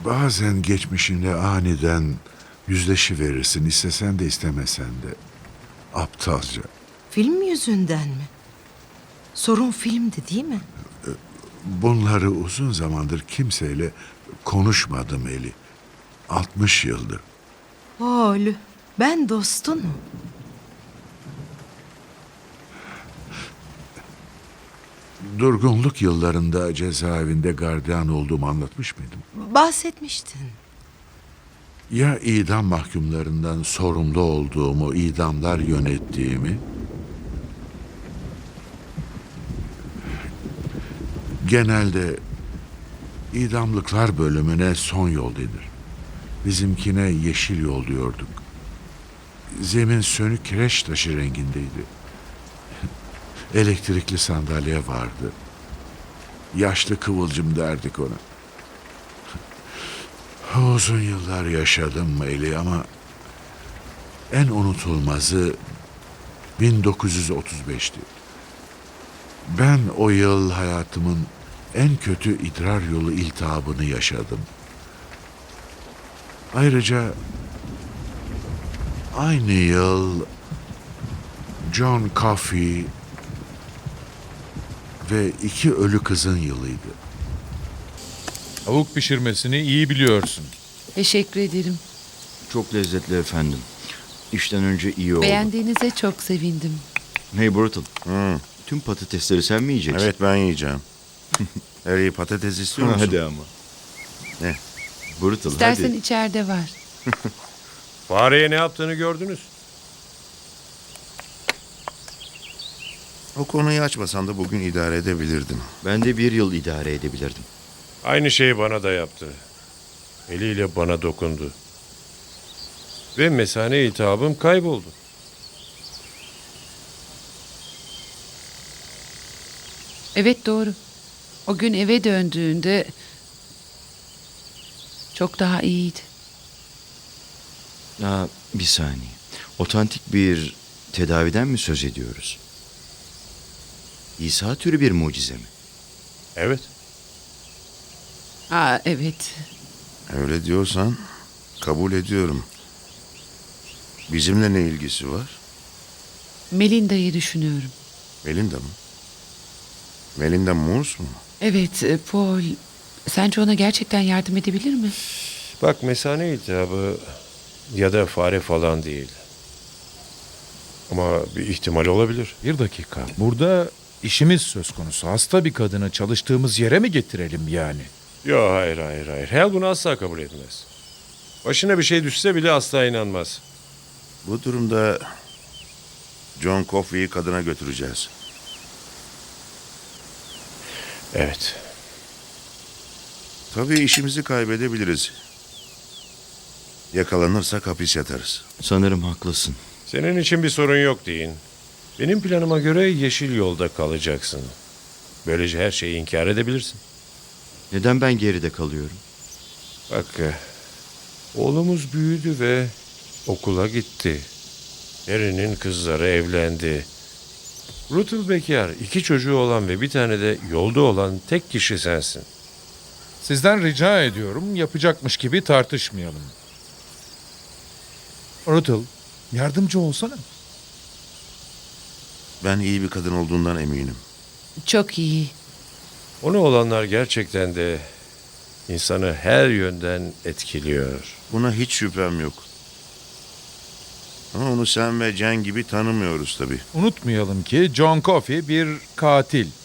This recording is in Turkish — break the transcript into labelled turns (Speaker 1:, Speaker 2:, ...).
Speaker 1: Bazen geçmişinle aniden yüzleşiverirsin, istesen de istemesen de. Aptalca.
Speaker 2: Film yüzünden mi? Sorun filmdi değil mi?
Speaker 1: Bunları uzun zamandır kimseyle konuşmadım Eli. 60 yıldır.
Speaker 2: Oğlum, ben dostunum.
Speaker 1: Durgunluk yıllarında cezaevinde gardiyan olduğumu anlatmış mıydım?
Speaker 2: Bahsetmiştin.
Speaker 1: Ya idam mahkumlarından sorumlu olduğumu, idamlar yönettiğimi? Genelde idamlıklar bölümüne son yol denir. Bizimkine yeşil yol diyorduk. Zemin sönük kireç taşı rengindeydi. Elektrikli sandalye vardı. Yaşlı kıvılcım derdik ona. Uzun yıllar yaşadım Eli ama en unutulmazı 1935'ti. Ben o yıl hayatımın en kötü idrar yolu iltihabını yaşadım. Ayrıca aynı yıl John Coffey ve 2 ölü kızın yılıydı.
Speaker 3: Tavuk pişirmesini iyi biliyorsun.
Speaker 4: Teşekkür ederim.
Speaker 5: Çok lezzetli efendim. İşten önce iyi oldu.
Speaker 4: Beğendiğinize çok sevindim.
Speaker 5: Hey Brutal. Tüm patatesleri sen mi yiyeceksin?
Speaker 6: Evet, ben yiyeceğim. Harry, patates istiyor musun?
Speaker 5: Hadi ama.
Speaker 6: Ne?
Speaker 5: Brutal
Speaker 4: İstersen
Speaker 5: hadi.
Speaker 4: içeride var.
Speaker 7: Fareye ne yaptığını gördünüz.
Speaker 6: O konuyu açmasan da bugün idare edebilirdim.
Speaker 5: Ben de 1 yıl idare edebilirdim.
Speaker 7: Aynı şeyi bana da yaptı. Eliyle bana dokundu. Ve mesane iltihabım kayboldu.
Speaker 4: Evet doğru. O gün eve döndüğünde çok daha iyiydi.
Speaker 5: Bir saniye. Otantik bir tedaviden mi söz ediyoruz? İsa türü bir mucize mi?
Speaker 7: Evet.
Speaker 4: Evet.
Speaker 6: Öyle diyorsan kabul ediyorum. Bizimle ne ilgisi var?
Speaker 4: Melinda'yı düşünüyorum.
Speaker 6: Melinda mı? Melinda Morse mu?
Speaker 4: Evet Paul. Sence ona gerçekten yardım edebilir mi?
Speaker 7: Bak mesane iltihabı ya da fare falan değil. Ama bir ihtimal olabilir.
Speaker 3: Bir dakika. Burada işimiz söz konusu. Hasta bir kadını çalıştığımız yere mi getirelim yani?
Speaker 7: Yok hayır. Hal bunu asla kabul etmez. Başına bir şey düşse bile asla inanmaz.
Speaker 6: Bu durumda John Coffey'i kadına götüreceğiz.
Speaker 7: Evet.
Speaker 6: Tabii işimizi kaybedebiliriz. Yakalanırsak hapis yatarız.
Speaker 5: Sanırım haklısın.
Speaker 7: Senin için bir sorun yok deyin. Benim planıma göre yeşil yolda kalacaksın. Böylece her şeyi inkar edebilirsin.
Speaker 5: Neden ben geride kalıyorum?
Speaker 7: Bak, oğlumuz büyüdü ve okula gitti. Harry'nin kızları evlendi. Rutul bekar, 2 çocuğu olan ve bir tane de yolda olan tek kişi sensin.
Speaker 3: Sizden rica ediyorum yapacakmış gibi tartışmayalım. Rutul, yardımcı olsana.
Speaker 6: Ben iyi bir kadın olduğundan eminim.
Speaker 4: Çok iyi.
Speaker 7: Ona olanlar gerçekten de insanı her yönden etkiliyor.
Speaker 6: Buna hiç şüphem yok. Ama onu sen ve Jen gibi tanımıyoruz tabii.
Speaker 3: Unutmayalım ki John Coffey bir katil.